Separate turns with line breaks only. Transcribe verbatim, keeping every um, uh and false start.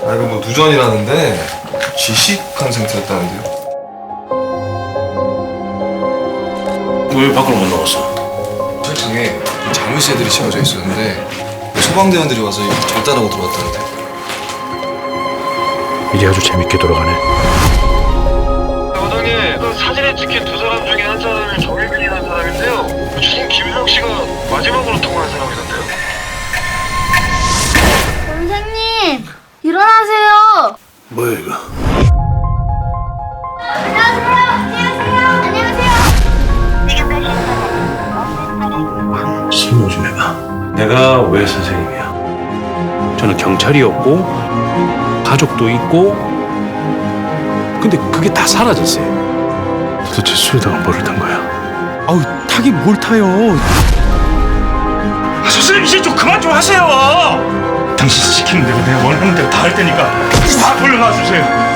아 이거 뭐 누전이라는데 지식한 상태였다는데요.
왜 밖으로 못 나갔어?
철창에 자물쇠들이 채워져 있었는데 소방대원들이 와서 이거 절단하고 들어왔다는데.
일이 아주 재밌게 돌아가네.
여당에 그 사진에 찍힌 두 사람 중에 한 사람이 정혜빈이라는 사람인데요. 주인 김수혁 씨가 마지막으로 통화한 사람이던데요.
선생님, 일어나세요.
뭐야 이거?
안녕하세요. 안녕하세요. 안녕하세요.
설명 좀 해봐. 내가 왜 선생님이야? 저는 경찰이었고 가족도 있고 근데 그게 다 사라졌어요. 도대체 수혜다가 뭐를 탄 거야?
아우 타긴 뭘 타요.
아, 선생님 이제 좀 그만 좀 하세요. 당신 시키는 대로 내가 원하는 대로 다 할 테니까 다 돌려놔 주세요.